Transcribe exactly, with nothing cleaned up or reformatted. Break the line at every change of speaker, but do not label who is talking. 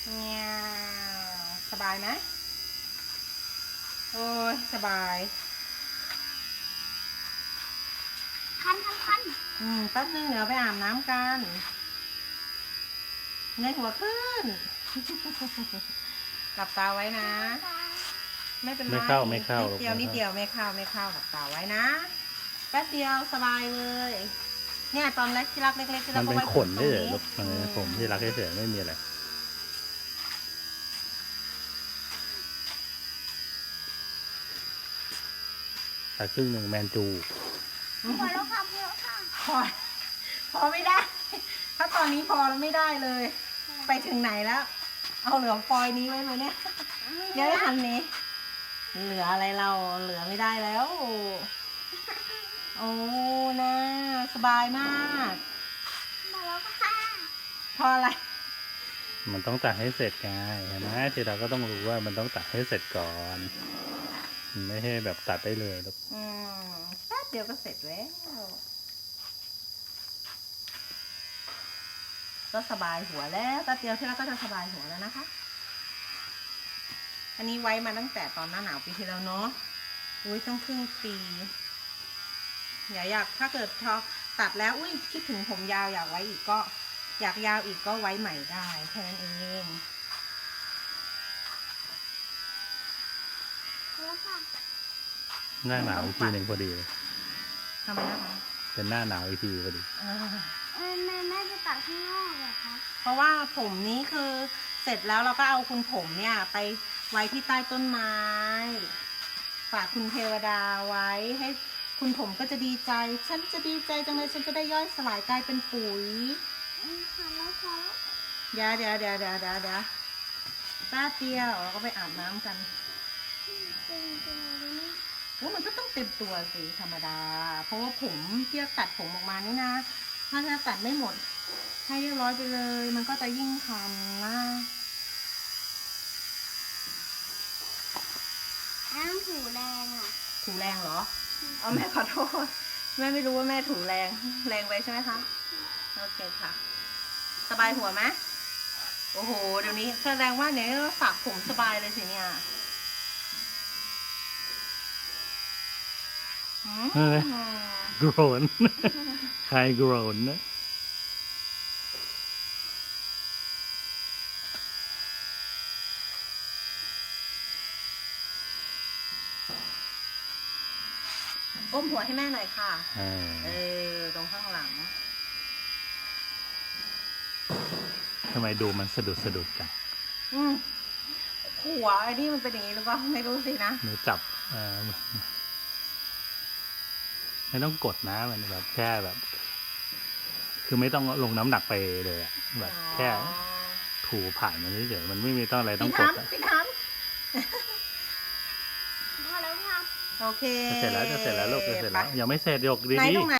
เนี่ยสบายไหมโอ้ยสบาย
คันคันคัน
อืมแป๊บนึงเดี๋ยวไปอาบน้ำกันเงยหัวขึ้น หลับตาไว้นะ ไม่เป็นไร
ไม่เข้าไม่เข้า
นิดเดียวนิดเดียวไม่เข้าไม่เข้าหลับตาไว้นะแป๊บเดียวสบายเลยเนี่ยตอนแรกที่รักเล็กๆที่รั
มั
ก
น
ก็
เป็น
ไว้
ขน
ตร
นี่
ง
เหรอ
นี้
ลูกมันเป็นผมที่รักเฉยๆไม่มีอะไรแต่ครึ่งหนึ่งแมนจู
พอแล้วค่ะพอแล้วค่ะ
พอพอไม่ได้ ถ้าตอนนี้พอแล้วไม่ได้เลย ไปถึงไหนแล้ว เอาเหลือฟอยนี้ไว้ไหมเนี่ยเดี๋ยวหันนี้เหลืออะไรเราเหลือไม่ได้แล้วโอ้นะสบายมาก
พอแล้วค่ะ
พออะไร
มันต้องตัดให้เสร็จไงเห็นไหมทีเราก็ต้องรู้ว่ามันต้องตัดให้เสร็จก่อนมันไม่ใช่แบบตัดได้เลยลูก
อืมแป๊บเดียวก็เสร็จแล้วก็สบายหัวแล้วแป๊บเดียวที่เราก็จะสบายหัวแล้วนะคะ อันนี้ไว้มาตั้งแต่ตอนหน้าหนาวปีที่แล้วเนาะอุ้ยต้องครึ่งปีอย่าอยากถ้าเกิดพอตัดแล้วอุ้ยคิดถึงผมยาวอยากไว้อีกก็ อยากยาวอีกก็ไว้ใหม่ได้แค่นั้นเอง
พอแล้วค่ะ
หน้าหนาวอีกทีหนึ่งพอดีเลย
ทำไมนะคะ
เป็นหน้าหนาวอีกทีพอดี
อ่า
เออแม่แม่จะตัดข้างนอกเหรอคะ
เพราะว่าผมนี้คือเสร็จแล้วเราก็เอาคุณผมเนี่ยไปไว้ที่ใต้ต้นไม้ฝากคุณเทวดาไว้ให้คุณผมก็จะดีใจ ฉันจะดีใจจังเลยฉันจะได้ย่อยสลายกลายเป็นปุ๋ย
อืมพอแล้วพอแล้ว
เดี๋ยวเดี๋ยวเดี๋ยวเดี๋ยวเดี๋ยวเดี๋ยวแป๊บเดียวเราก็ไปอาบน้ำกัน
จริงจริงเลยนี่
โอ้มันก็ต้องเต็มตัวสิธรรมดา เพราะว่าผมที่จะตัดผมออกมานี่นะถ้าจะตัดไม่หมดให้เรียบร้อยไปเลย มันก็จะยิ่งคันนะ
อ้าวถูแรงอ่ะ
ถูแรงเหรอ เอาแม่ขอโทษ แม่ไม่รู้ว่าแม่ถูแรง แรงไปใช่ไหมคะ โอเคค่ะ สบายหัวไหมโอ้โห เดี๋ยวนี้แสดงว่าเนี่ยฝากผมสบายเลยสิเนี่ยหืม
เออ โกรน ใครโกรนนะ
ก้มหัวให้แม่หน่อยค่ะ
เออ
เออ ตรงข้างหลัง
ทำไมดูมันสะดุดสะดุดจัง
อืมหัวไอ้นี่มันเป็นอย่างนี้หรือเปล่าไม่รู้สินะ
หนูจับเออไม่ต้องกดนะมันแบบแค่แบบ คือไม่ต้องลงน้ำหนักไปเลยอะแบบแค่ถูผ่านมันเฉยๆมันไม่มีต้องอะไรต้อง
พี่
กด
ทำ
อะ
พี่ท
พอแล้วค่ะ
ำโอเค
จะเสร็จแล้วจะเสร็จแล้วลูกจะเสร็จแล้วยังไม่เสร็จยก
ไหน
ดี
ตรงไหน